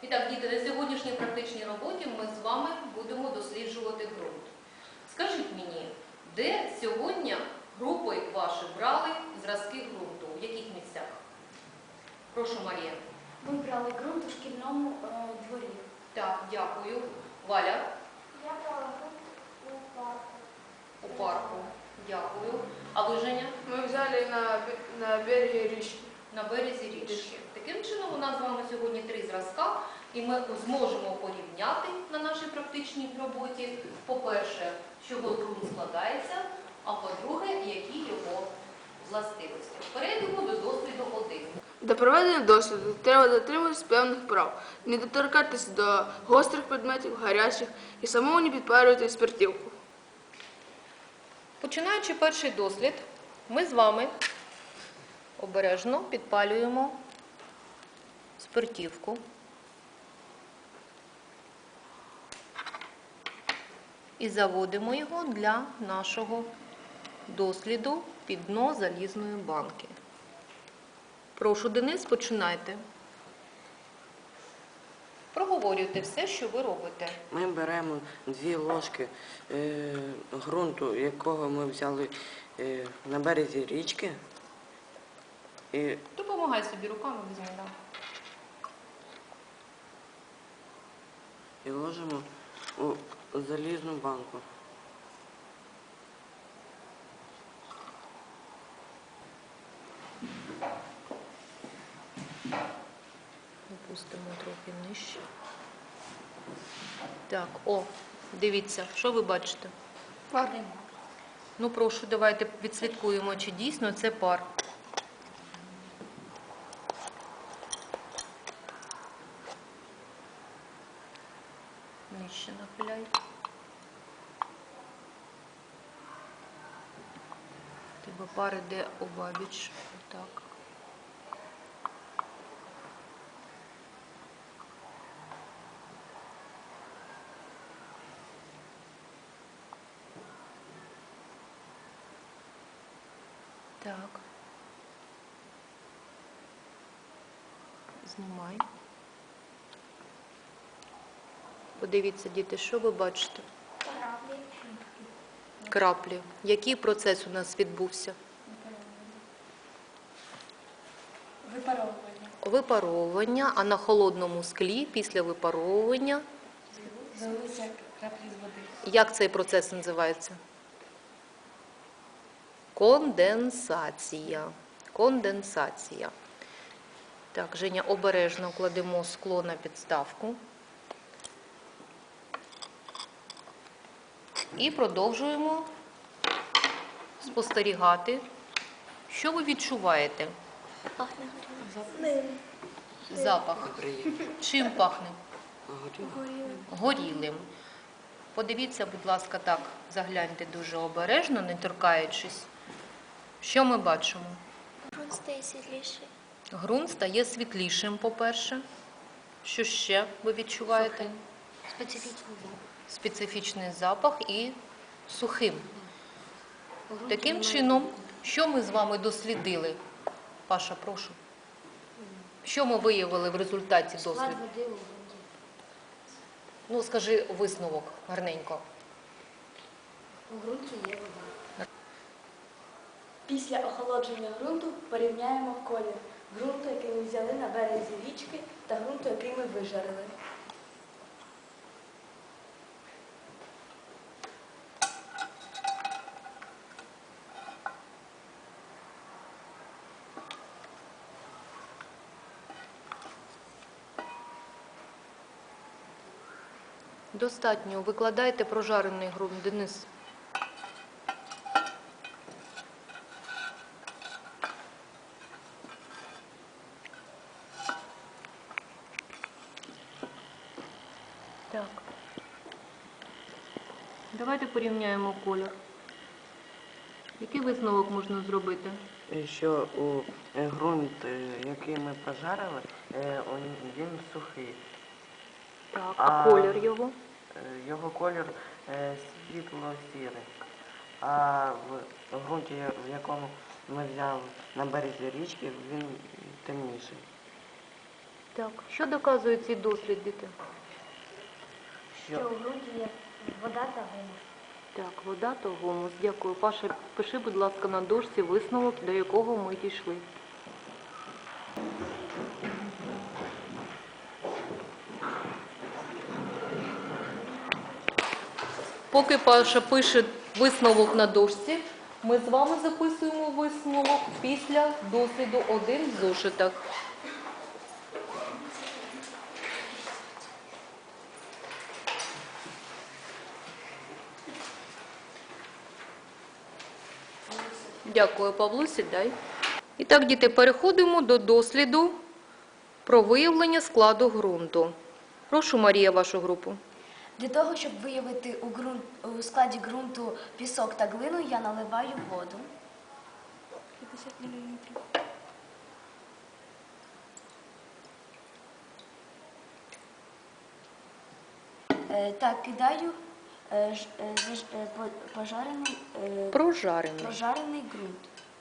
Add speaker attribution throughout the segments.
Speaker 1: І так, діти, на сьогоднішній практичній роботі ми з вами будемо досліджувати ґрунт. Скажіть мені, де сьогодні групи ваші брали зразки ґрунту? В яких місцях? Прошу, Марія.
Speaker 2: Ми брали ґрунт у шкільному дворі.
Speaker 1: Так, дякую. Валя?
Speaker 2: Я брала ґрунт у парку.
Speaker 1: У парку. Дякую. А ви, Женя?
Speaker 3: Мы взяли на береге речки.
Speaker 1: На березі річки. Таким чином, у нас з вами сьогодні 3 зразка, і ми зможемо порівняти на нашій практичній роботі, по-перше, з чого ґрунт складається, а по-друге, які його властивості. Перейдемо до досліду 1.
Speaker 3: До проведення досліду треба дотримуватись певних прав, не доторкатися до гострих предметів, гарячих і самому не підпалювати спиртівку.
Speaker 1: Починаючи перший дослід, ми з вами обережно підпалюємо спиртівку. І заводимо його для нашого досліду під дно залізної банки. Прошу, Денис, починайте. Проговорюйте все, що ви робите.
Speaker 4: Ми беремо 2 ложки ґрунту, якого ми взяли на березі річки.
Speaker 1: Допомагай собі руками, візьми, да.
Speaker 4: І ложимо у залізну банку.
Speaker 1: Опустимо трохи нижче. Так, дивіться, що ви бачите?
Speaker 3: Пар.
Speaker 1: Ну, прошу, давайте відслідкуємо, чи дійсно це пар. Нижче нахиляй. Тебе пар іде обабіч. Отак. Так. Знімай. Подивіться, діти, що ви бачите?
Speaker 2: Краплі.
Speaker 1: Краплі. Який процес у нас відбувся?
Speaker 2: Випаровування.
Speaker 1: Випаровування, а на холодному склі після випаровування,
Speaker 2: Залилися краплі з води.
Speaker 1: як цей процес називається? Конденсація. Конденсація. Так, Женя, обережно кладемо скло на підставку. І продовжуємо спостерігати. Що ви відчуваєте?
Speaker 2: Пахне
Speaker 1: Запах. Чим пахне?
Speaker 4: Горіло.
Speaker 1: Горілим. Подивіться, будь ласка, так, загляньте дуже обережно, не торкаючись. Що ми бачимо?
Speaker 2: Ґрунт стає світліший.
Speaker 1: Ґрунт стає світлішим, по-перше. Що ще ви відчуваєте?
Speaker 2: Специфічний запах.
Speaker 1: Специфічний запах і сухим. Таким чином, що ми з вами дослідили? Паша, прошу. Що ми виявили в результаті досліду?
Speaker 2: Склад води у ґрунті.
Speaker 1: Ну, скажи висновок гарненько.
Speaker 2: У ґрунті є вода. Після охолодження ґрунту порівняємо колір ґрунту, який ми взяли на березі річки, та ґрунту, який ми вижарили.
Speaker 1: Достатньо. Викладайте прожарений ґрунт, Денис. Так. Давайте порівняємо колір. Який висновок можна зробити?
Speaker 4: Що у ґрунт, який ми пожарили, він сухий.
Speaker 1: Так, а колір його?
Speaker 4: Його колір світло-сірий. А в ґрунті, в якому ми взяли на березі річки, він темніший.
Speaker 1: Так, що доказує цей дослід, діти?
Speaker 2: Що у ґрунті є вода та гумус.
Speaker 1: Так, вода та гумус. Дякую. Паша, пиши, будь ласка, на дошці висновок, до якого ми дійшли. Поки Паша пише висновок на дошці, ми з вами записуємо висновок після досліду 1 в зошитах. Дякую, Павло, сідай. І так, діти, переходимо до досліду про виявлення складу ґрунту. Прошу, Марія, вашу групу.
Speaker 2: Для того, щоб виявити у складі ґрунту пісок та глину, я наливаю воду. 50 мл. Так, кидаю прожарений ґрунт.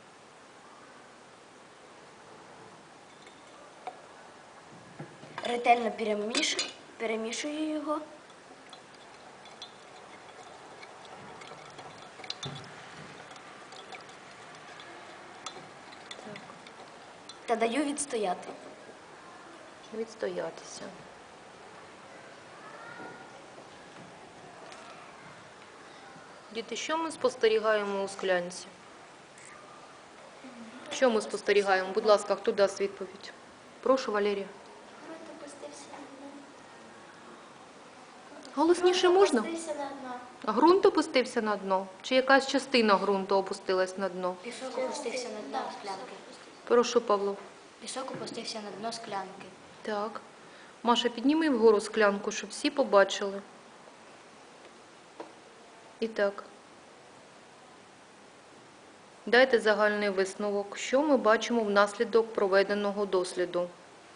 Speaker 2: Ретельно перемішую його. Та даю відстояти.
Speaker 1: Відстоятися. Діти, що ми спостерігаємо у склянці? Що ми спостерігаємо? Будь ласка, хто дасть відповідь? Прошу, Валерія. Голосніше можна? Ґрунт опустився на дно? Чи якась частина ґрунту опустилась на дно?
Speaker 2: Пісок опустився на дно склянки.
Speaker 1: Прошу, Павло.
Speaker 2: Пісок опустився на дно склянки.
Speaker 1: Так. Маша, підніми вгору склянку, щоб всі побачили. І так. Дайте загальний висновок, що ми бачимо внаслідок проведеного досліду.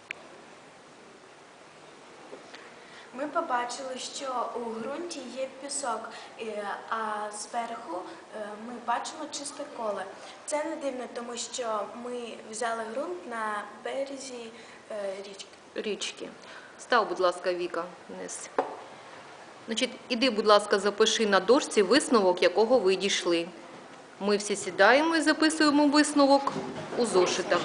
Speaker 5: Ми побачили, що у ґрунті є пісок, а зверху ми бачимо чисте коле. Це не дивно, тому що ми взяли ґрунт на березі річки.
Speaker 1: Став, будь ласка, Віка, вниз. Значить, іди, будь ласка, запиши на дошці висновок, якого ви дійшли. Ми всі сідаємо і записуємо висновок у зошитах.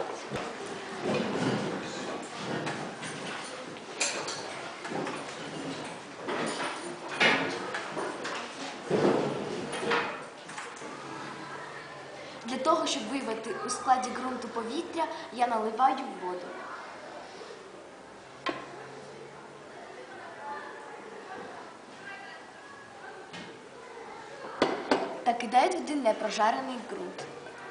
Speaker 2: Для того, щоб виявити у складі ґрунту повітря, я наливаю воду. Та кидаю туди непрожарений ґрунт.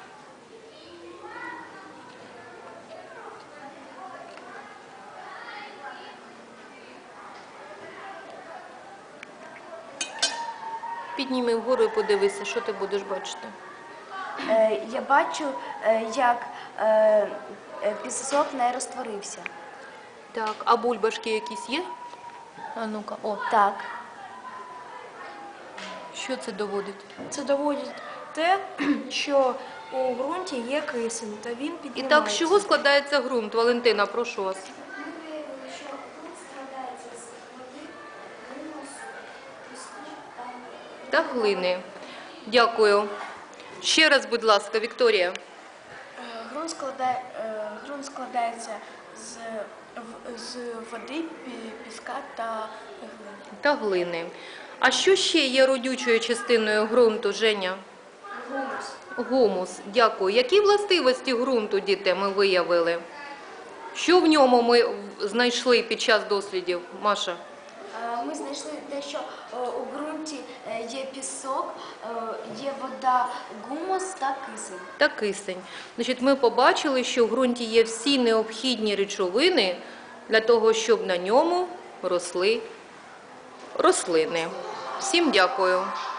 Speaker 1: Підніми вгору і подивися, що ти будеш бачити.
Speaker 2: Я бачу, як пісок не розтворився.
Speaker 1: Так, а бульбашки якісь є? А ну-ка, о,
Speaker 2: Так.
Speaker 1: що це доводить?
Speaker 5: Це доводить те, що у ґрунті є кисень, та він
Speaker 1: І
Speaker 5: піднімається.
Speaker 1: так, з чого складається ґрунт? Валентина, прошу вас.
Speaker 2: Ми виявили, що ґрунт складається з води, гумусу, піску
Speaker 1: Та глини. Дякую. Ще раз, будь ласка, Вікторія.
Speaker 5: Ґрунт складається з води, піска та глини.
Speaker 1: Та глини. А що ще є родючою частиною ґрунту, Женя?
Speaker 2: Гумус.
Speaker 1: Гумус. Дякую. Які властивості ґрунту, діти, ми виявили? Що в ньому ми знайшли під час дослідів, Маша?
Speaker 2: Ми знайшли те, що у ґрунті є пісок, є вода, гумус та кисень.
Speaker 1: Та кисень. Значить, ми побачили, що в ґрунті є всі необхідні речовини для того, щоб на ньому росли рослини. Всім дякую.